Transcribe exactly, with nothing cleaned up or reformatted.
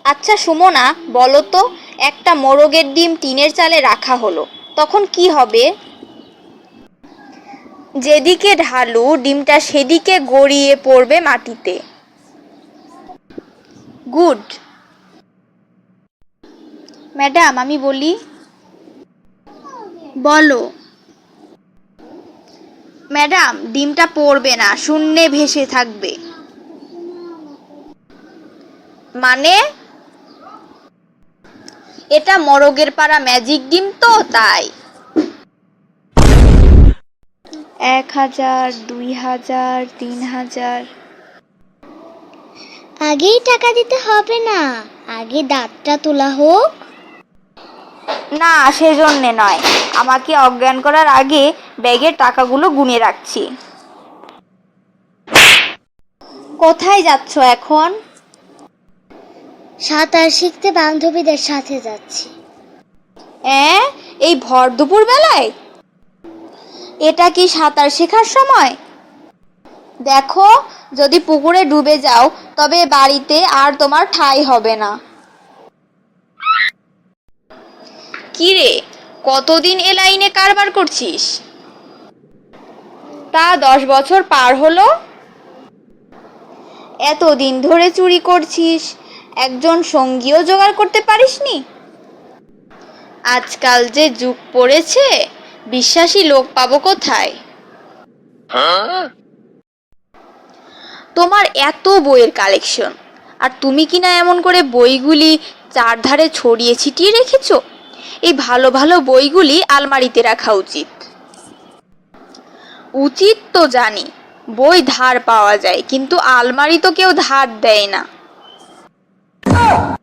আচ্ছা সুমনা, বলো তো, একটা মোরগের ডিম টিনের চালে রাখা হলো, তখন কি হবে? যেদিকে ঢালু ডিমটা সেদিকে গড়িয়ে পড়বে মাটিতে। গুড। ম্যাডাম, আমি বলি। বলো। ম্যাডাম, ডিমটা পড়বে না, শূন্যে ভেসে থাকবে। মানে? এটা মোরগের পাড়া ম্যাজিক ডিম তো, তাই। এক হাজার, দুই হাজার, তিন হাজার। আগেই টাকা দিতে হবে না, আগে দাঁতটা তোলা হোক। না, সেজন্যে নয়, আমাকে অজ্ঞান করার আগে ব্যাগের টাকাগুলো গুনে রাখছি। কোথায় যাচ্ছ এখন? সাঁতার শিখতে বান্ধবীদের সাথে যাচ্ছি। অ্যাঁ, এই ভর দুপুর বেলায়? এটা কি সাঁতার শেখার সময়? দেখো, যদি পুকুরে ডুবে যাও তবে বাড়িতে আর তোমার ঠাঁই হবে না। কি রে, কতদিন এ লাইনে কারবার করছিস? তা দশ বছর পার হলো। এতদিন ধরে চুরি করছিস, একজন সঙ্গীও জোগাড় করতে পারিসনি? আজকাল যে যুগ পড়েছে, বিশ্বাসী লোক পাবো কোথায়? তোমার এত বইয়ের কালেকশন, আর তুমি কিনা এমন করে বইগুলি চারধারে ছড়িয়ে ছিটিয়ে রেখেছো। এই ভালো ভালো বইগুলি আলমারিতে রাখা উচিত। উচিত তো জানি, বই ধার পাওয়া যায়, কিন্তু আলমারি তো কেউ ধার দেয় না।